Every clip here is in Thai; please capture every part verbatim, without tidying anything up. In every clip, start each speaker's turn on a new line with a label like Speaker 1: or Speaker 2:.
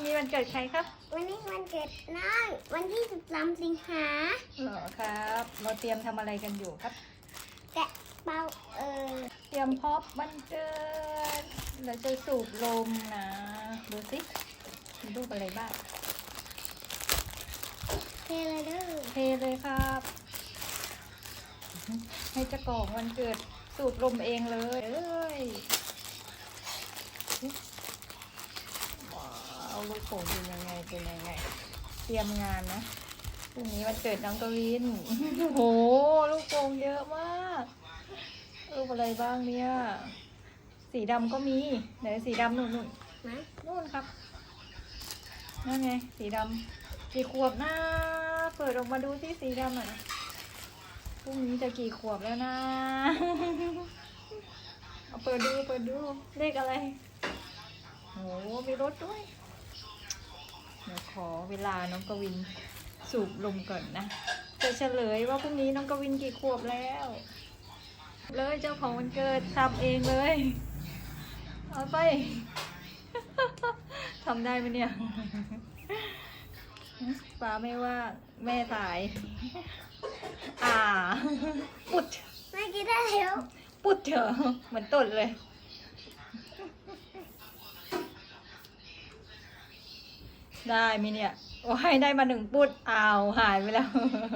Speaker 1: นี้วันเกิดใครครับ
Speaker 2: วันนี้วันเกิดน้องวันที่สิบสามสิงหา
Speaker 1: เหรอครับเราเตรียมทำอะไรกันอยู่ครับ
Speaker 2: แกะเป่าเออ
Speaker 1: เตรียมพอบวันเกิดเราจะสูบลมนะดูสิมีรูปอะไรบ้าง
Speaker 2: เทเลยเด้อ
Speaker 1: เทเลยครับให้เจ้าของวันเกิดสูบลมเองเลยเอ้ยว้าวลูกโป่งเป็นยังไงเป็นยังไงเตรียมงานนะพรุ่งนี้วันเกิดน้องกวินโอ้โหลูกโป่งเยอะมากรูปอะไรบ้างเนี่ยสีดำก็มีไหนสีดำนู่นนู่นนะนู่นครับนั่นไงสีดำกี่ขวบนะเปิดออกมาดูสิสีดำอ่ะพรุ่งนี้จะกี่ขวบแล้วนะเอาเปิดดูเปิดดูเลขอะไรโอ้มีรถด้วยเดี๋ยวขอเวลาน้องกวินสูบลมก่อนนะจะเฉลยว่าพรุ่งนี้น้องกวินกี่ขวบแล้วเลยเจ้าของวันเกิดทำเองเลยเอาไปทำได้ไหมเนี่ยป้าไม่ว่าแม่ตายอ่าปุด
Speaker 2: ไม่กินได้แล้ว
Speaker 1: ปุดเถอะเหมือนตดเลยได้ไหมเนี่ยโอ้ให้ได้มาหนึ่งปุดอ้าวหายไปแล้ว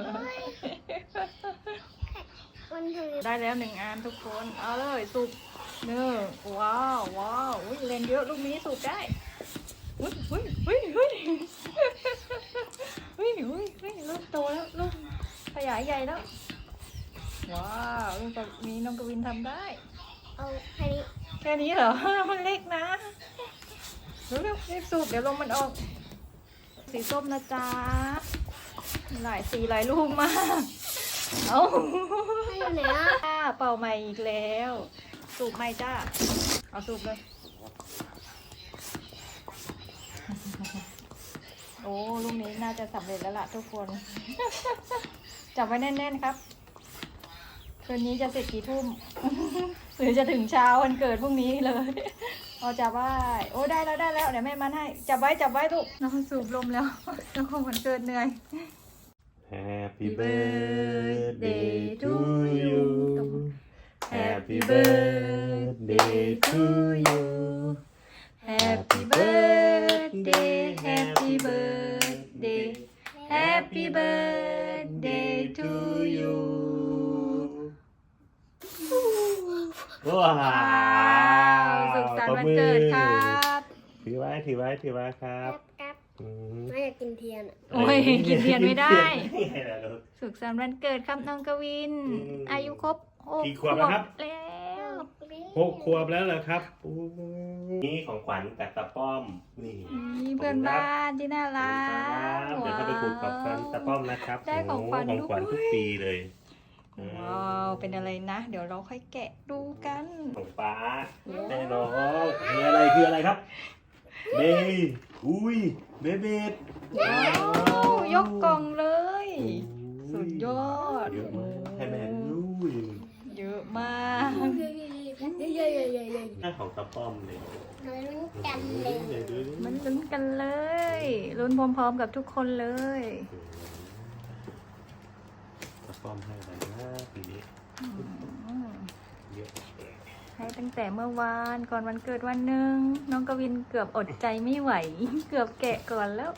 Speaker 1: ได้แล้วหนึ่งอันทุกคนเอาเลยสูบเนื้อว้าวว้าวอุ้ยเล่นเยอะลูกนี้สูบได้อุ้ยอุ้ยอุ้ยอุ้ยอุ้ยอุ้ยอุ้ยลูกโตแล้วลูกขยายใหญ่แล้วว้าวลูกนี้น้องกวินทำได้
Speaker 2: เอาแค่นี้
Speaker 1: แค่นี้เหรอมันเล็กนะเร็วเร็วรีบสูบเดี๋ยวลมมันออกสีส้มนะจ๊ะหลายสีหลายลูกมากเอา
Speaker 2: ให้อยู่ไหนอ่ะ
Speaker 1: เป่าใหม่อีกแล้วสูบใหม่จ้าเอาสูบเลยโอ้ลูกนี้น่าจะสำเร็จแล้วล่ะทุกคนจับไว้แน่นๆครับคืนนี้จะเสร็จกี่ทุ่มหรือจะถึงเช้าวันเกิดพรุ่งนี้เลยเอาจับไว้โอ้ได้แล้วได้แล้วเดี๋ยวแม่มันให้จับไว้จับไว้ลูกน้องสูบลมแล้วน้องคงวันเกิดเหนื่อย
Speaker 3: Happy birthday to you
Speaker 1: Happy birthday to you Happy birthday Happy birthday Happy birthday to you
Speaker 3: ว้าว
Speaker 1: สุขสันต์วันเกิดครับ
Speaker 3: ถือไว้ถือไว้ถือไว้ครับ
Speaker 2: ไม่อยากกินเทียน
Speaker 1: โอ้ยกินเทียนไม่ได้สุขสันต์วันเกิดครับน้องกวินอายุครบหกขวบแล้ว
Speaker 3: หกขวบแล้วเหรอครับนี่ของขวัญจากตาป้อมนี่
Speaker 1: เพื่อนบ้านที่น่ารัก
Speaker 3: เดี๋ยวเขาไปคุยกับตาป้อมนะครับ
Speaker 1: ได้ของขวัญ
Speaker 3: ทุกปีเลย
Speaker 1: ว้าวเป็นอะไรนะเดี๋ยวเราค่อยแกะดูกัน
Speaker 3: ของป้าแน่นอนคืออะไรคืออะไรครับเบย์อุ้ยเบเบ็ด
Speaker 1: ว้าวยกกล่องเลยสุดยอด
Speaker 3: เยอะมากให้แม่ดู
Speaker 1: เยอะมาก
Speaker 2: เยอะๆๆๆ
Speaker 3: หน้าของตาป้อมเลย
Speaker 2: ลุ้นกันเลย
Speaker 1: มันลุ้นกันเลยลุ้นพร้อมๆกับทุกคนเลย
Speaker 3: ตาป้อมให้อะไรนะปีนี้เยอะ
Speaker 1: ให้ตั้งแต่เมื่อวานก่อนวันเกิดวันหนึ่งน้องกวินเกือบอดใจไม่ไหวเกือบแกะก่อนแล้ว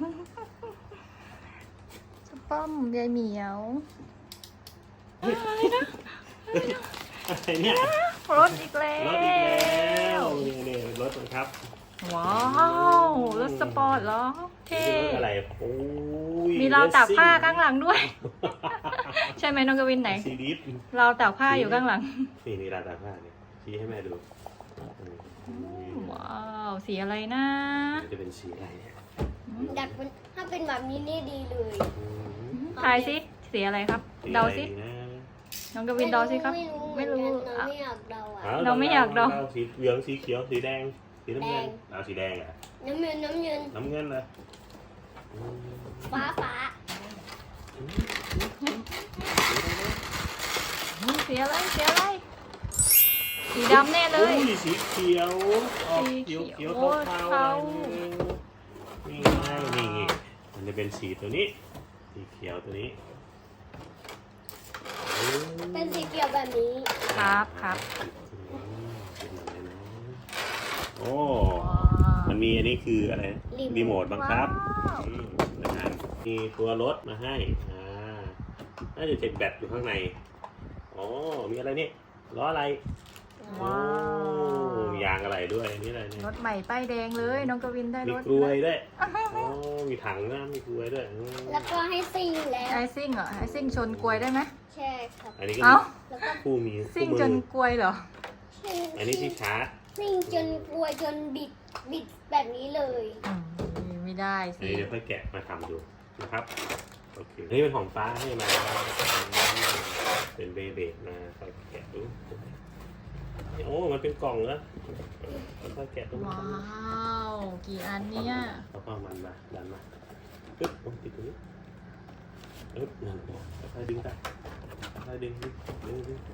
Speaker 1: สป้อมยายเหมียวอะไรนะ
Speaker 3: อะไรเนี่ย
Speaker 1: รถอีกแล้ว
Speaker 3: รถอีกแล้วนี่รถครับ
Speaker 1: ว้าวรถสปอร์ตเหรอเท่
Speaker 3: อะไรโอ้ย
Speaker 1: มีราวตากผ้าข้างหลังด้วยใช่ไหมน้องกวินไหน
Speaker 3: สีดิฟ
Speaker 1: ราวตากผ้าอยู่ข้างหลัง
Speaker 3: นี่นี่ราวตากผ้าเนี่ยชี้ให้แม่ดู
Speaker 1: ว้าวสีอะไรนะ
Speaker 3: จะเป็นสีอะไร
Speaker 2: ดัดเป็นถ้าเป็นแบบนี้นี่ดีเลย
Speaker 1: ทายสิสีอะไรครับเดาสิน้องกวินเดาสิครับไม่รู้
Speaker 2: เราไม่อยากเดาอ่ะ
Speaker 1: เราไม่อยากเดา
Speaker 3: สีเหลืองสีเขียวสีแดงสีน้ำเงินเอาสีแดงอ่ะ
Speaker 2: น้ำเงินน้ำเงิน
Speaker 3: น้ำเงินนะ
Speaker 2: ฟ้าฟ้า
Speaker 1: สีอะไรสีอะไรสีดำแน่เลย
Speaker 3: สีเขียวสีเขียวเขียวเทาจะเป็นสีตัวนี้สีเขียวตัวนี้
Speaker 2: เป็นสีเขียวแบบนี้
Speaker 1: ครับครับ
Speaker 3: อืมเป็นอะไรนะโอ้
Speaker 1: ว้าว
Speaker 3: มันมีอันนี้คืออะไรนะรีโมทบังคับ
Speaker 1: ว้าว
Speaker 3: อืมนะครับมีตัวรถมาให้อ่าน่าจะเจ็บแบตอยู่ข้างในอ๋อมีอะไรนี่ล้ออะไร
Speaker 1: ว้าว
Speaker 3: โอ้ยางอะไรด้วยอันนี่อะไรเนี่ย
Speaker 1: รถใหม่ป้ายแดงเลยน้องกวินได้
Speaker 3: มี
Speaker 1: รถ
Speaker 3: กลวยด้วยอ๋อมีถังนะมีกลวยด้วยอืม
Speaker 2: แล้วก็ให้ซิ่งแล้ว
Speaker 1: ไอซิ่งเหรอไอซิ่งชนกลวยได้ไหม
Speaker 2: ใช่ครับ
Speaker 3: อันนี้ก็
Speaker 1: เอ้า
Speaker 2: แล้วก็
Speaker 3: ผู้มี
Speaker 1: ซิ่ง
Speaker 3: คู่
Speaker 1: จ
Speaker 3: มื
Speaker 1: น
Speaker 3: อก
Speaker 1: ลวยเหรอ
Speaker 3: อันนี้ที่ชาร์จ
Speaker 2: ซิ่งจนกลัวจนบิดบิดแบบนี้เลย
Speaker 1: อืมไม่ได้
Speaker 3: อัน
Speaker 1: สิ
Speaker 3: นี้เดี๋ยวค่อยแกะมาทำดูนะครับโอเคนี่เป็นของฟ้าให้มาเป็นเบเบดมาค่อยแกะดูโอ้มันเป็นกล่องแล้วค่อยแกะดู
Speaker 1: ว้าว กี่อันเนี่ย
Speaker 3: แล้วก็มันมาดันมาปึ๊บโอ้ติดตรงนี้ปึ๊บนั่นค่อยดึงไปค่อยดึงดึงดึงดึง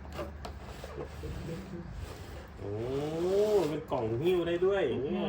Speaker 3: โอ้เป็นกล่องหิ้วได้ด้วยอย่างเงี้ย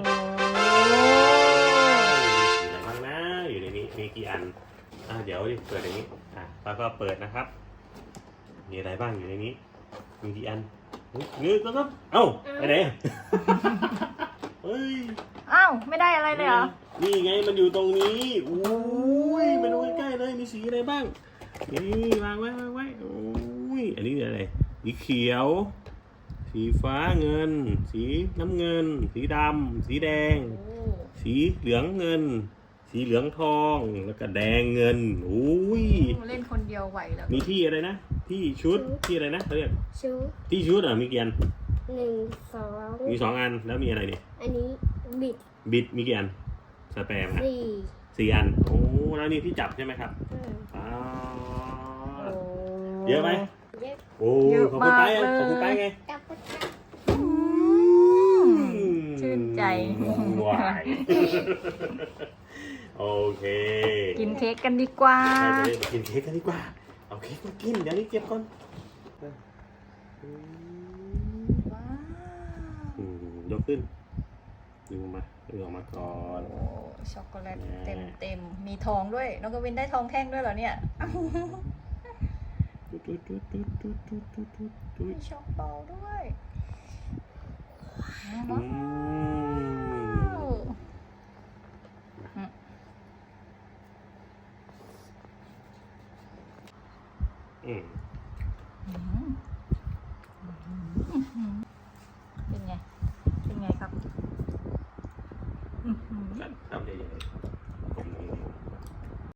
Speaker 3: มีอะไรบ้างนะอยู่ในนี้มีกี่อันอ่ะเดี๋ยวดิเปิดอย่างนี้อ่ะแล้วก็เปิดนะครับ มีอะไรบ้างอยู่ในนี้ มีกี่อันนึกแล้วก็เอ้าไปไหนอ่ะเฮ้ย
Speaker 1: อ้าวไม่ได้อะไรเลยเหรอ
Speaker 3: นี่ไงมันอยู่ตรงนี้อุ้ยมาดูใกล้ๆเลยมีสีอะไรบ้างนี่วางไว้วางไว้โอ้ยอันนี้อะไรสีเขียว สีฟ้าเงิน สีน้ำเงิน สีดำสีแดง
Speaker 1: โอ้
Speaker 3: สีเหลืองเงิน สีเหลืองทอง แล้วก็แดงเงินอุ้ย
Speaker 1: เล่นคนเดียวไหวแล้ว
Speaker 3: มีที่อะไรนะ ที่ชุด ที่อะไรนะเขาเรียก
Speaker 2: ชุด
Speaker 3: ที่ชุดอ่ะมีกี่อัน
Speaker 2: หนึ่งสอง
Speaker 3: มีสองอัน แล้วมีอะไรเนี่ย
Speaker 2: อันนี้บิด
Speaker 3: บิดมีกี่อัน สแปมฮะ
Speaker 2: สี่
Speaker 3: สี่อัน โอ้ แล้วนี่ที่จับใช่ไหมครับ
Speaker 2: อืม
Speaker 3: อ๋อ
Speaker 1: โอ้
Speaker 3: เยอะไหม
Speaker 2: เยอะ
Speaker 3: โอ้
Speaker 1: เยอะ
Speaker 3: ขอบคุณไป
Speaker 1: มากเลย
Speaker 3: ขอบคุณไปไง
Speaker 2: กลับไปค่ะ
Speaker 1: อืมชื่นใจ
Speaker 3: วาย โอเค
Speaker 1: กินเค้กกันดีกว่า
Speaker 3: ไปไปกินเค้กกันดีกว่า เอาเค้กมากิน เดี๋ยวนี้เก็บก่อนอืมยกขึ้นดึงออกมาดึงออกมาก่อน
Speaker 1: โอ้ช็อกโกแลตเต็มเต็มมีทองด้วย น้องกวินได้ทองแท่งด้วยเหรอเนี่ย
Speaker 3: ตุ๊ดตุ๊ดตุ๊ดตุ๊ดตุ๊ดตุ๊ดตุ๊ดตุ๊ดตุ๊
Speaker 1: มี
Speaker 3: ด
Speaker 1: ช็อกเบาด้วย
Speaker 3: อื
Speaker 1: ว้าว
Speaker 3: มอืม
Speaker 1: อืมเป็นไง เป็นไงครับอื้อหือ
Speaker 3: ครับใหญ่